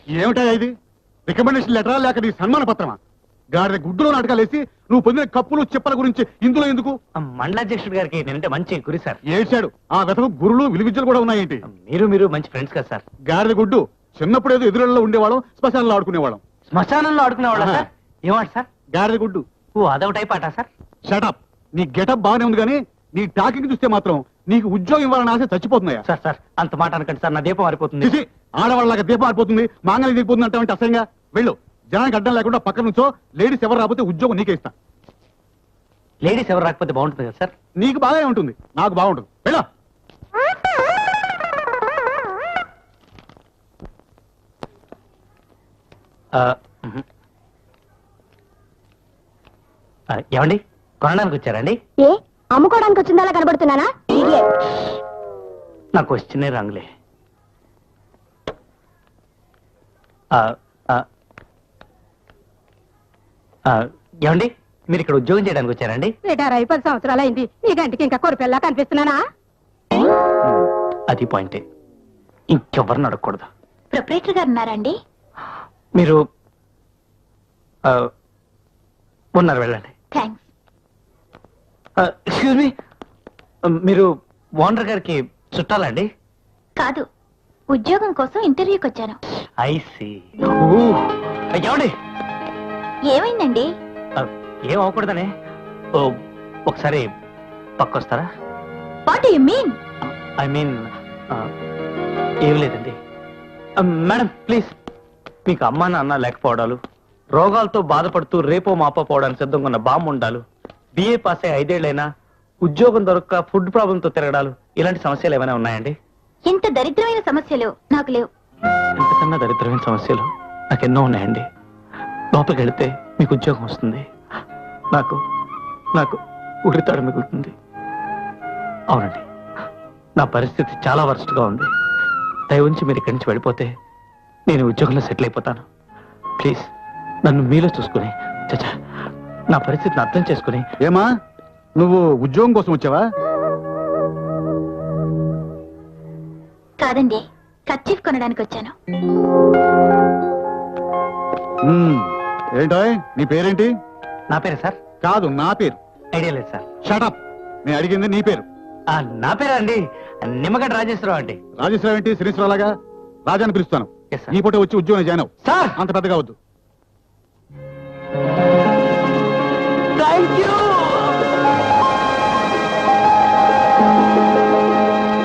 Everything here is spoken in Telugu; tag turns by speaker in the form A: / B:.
A: ఏమిటా ఇది? రికమెండేషన్ లెటరా లేక నీ సన్మాన పత్రమా? గాడిద గుడ్డులో నాటకాలేసి నువ్వు పొందిన కప్పులు చెప్పల గురించి ఇందులో ఎందుకు?
B: మండలాధ్యక్షుడు గారికి నేనంటే మంచి గురి సార్.
A: ఏడ్చాడు. ఆ వెతకు గురులు విలువిద్యలు కూడా ఉన్నాయేంటి?
B: మీరు మంచి ఫ్రెండ్స్ కదా సార్.
A: గాడిద గుడ్డు చిన్నప్పుడు ఏదో ఎదురులో ఉండేవాళ్ళం, శ్మశానంలో ఆడుకునేవాళ్ళం.
B: శ్మశానంలో ఆడుకునేవాళ్ళ సార్? ఏమాట సార్?
A: గాడిద గుడ్డు.
B: ఓ అదొక టైప్ ఆట సార్.
A: షటప్. నీ గెటప్ బాగానే ఉంది కానీ నీ టాకింగ్ చూస్తే మాత్రం నీకు ఉద్యోగం ఇవ్వాలని ఆశ చచ్చిపోతున్నాయా?
B: సార్ సార్ అంత మాట అనకండి సార్, నా దీపం మారిపోతుంది.
A: ఆడవాళ్ళగా దీపం మారిపోతుంది, మాంగళ్యం దిగిపోతుంది అంటే అసహ్యంగా. వెళ్ళు. జనానికి అడ్డం లేకుండా పక్కన నుంచో. లేడీస్ ఎవరు రాకపోతే ఉద్యోగం నీకే ఇస్తా.
B: లేడీస్ ఎవరు రాకపోతే బాగుంటుంది కదా సార్?
A: నీకు బాగానే ఉంటుంది, నాకు బాగుంటుంది. వెళ్ళు.
B: ఏమండి, కొనడానికి వచ్చారండి?
C: ఏ అమ్ముకోవడానికి వచ్చిందా కనబడుతున్నానా?
B: నా క్వశ్చనే రాంగులే. ఏమండి, మీరు ఇక్కడ ఉద్యోగం చేయడానికి వచ్చారండి?
C: రిటైర్ అయి 10 సంవత్సరాలు అయింది. ఈ గంటకి ఇంకా కొరిపెల్లా కనిపిస్తున్నానా?
B: అది పాయింటే. ఇంకెవరిని అడగకూడదు.
C: ప్రొపరేటర్ గారు ఉన్నారండి?
B: మీరు ఉన్నారు, వెళ్ళండి.
C: థ్యాంక్స్.
B: ఎక్స్క్యూజ్ మీ, మీరు ఓనర్ గారికి చుట్టాలండి?
C: కాదు, ఉద్యోగం కోసం ఇంటర్వ్యూకి వచ్చాను.
B: I see. ఏమండి,
C: ఏమైందండి?
B: ఏం అవ్వకూడదనే. ఒకసారి పక్కొస్తారా?
C: What do you mean?
B: I mean ఏం లేదండి. Madam please. మీకు అమ్మా నాన్న లేకపోవడాలు, రోగాలతో బాధపడుతూ రేపో మాపో పోవడానికి సిద్ధంగా ఉన్న బామ్మ ఉండాలు, బిఏ పాస్ అయ్యి 5 ఏళ్ళైనా ఉద్యోగం దొరక్క ఫుడ్ ప్రాబ్లంతో తిరగడాలు, ఇలాంటి సమస్యలు ఏమైనా ఉన్నాయండి?
C: ఇంత దరిద్రమైన సమస్యలు నాకు లేవు.
B: ఇంతకన్నా దరిద్రమైన సమస్యలు నాకెన్నో ఉన్నాయండి. లోపలికి వెళితే మీకు ఉద్యోగం వస్తుంది, నాకు నాకు ఉరితాడు మిగులుతుంది. అవునండి, నా పరిస్థితి చాలా వరస్ట్గా ఉంది. దయ ఉంచి మీరు ఇక్కడి నుంచి వెళ్ళిపోతే నేను ఉద్యోగంలో సెటిల్ అయిపోతాను. ప్లీజ్ నన్ను మీలో చూసుకుని, చచ్చా నా పరిస్థితిని అర్థం చేసుకుని.
A: ఏమా, నువ్వు ఉద్యోగం కోసం వచ్చావా?
C: కాదండి, కర్చీఫ్ కొనడానికి వచ్చాను.
A: ఏంటో నీ పేరేంటి?
B: నా పేరు సార్?
A: కాదు, నా పేరు.
B: ఐడియా లేదు సార్.
A: షటప్. నేను అడిగింది నీ పేరు.
B: నా పేరు అండి నిమ్మగడ్డ రాజేశ్వరరావు అండి.
A: రాజేశ్వరరావు ఏంటి? శ్రీశ్వరలాగా రాజాని పిలుస్తాను. ఈ పూట వచ్చి ఉద్యోగం జాయిన్ అవ్వు.
B: సార్
A: అంత పెద్దగా వద్దు.
B: Thank you.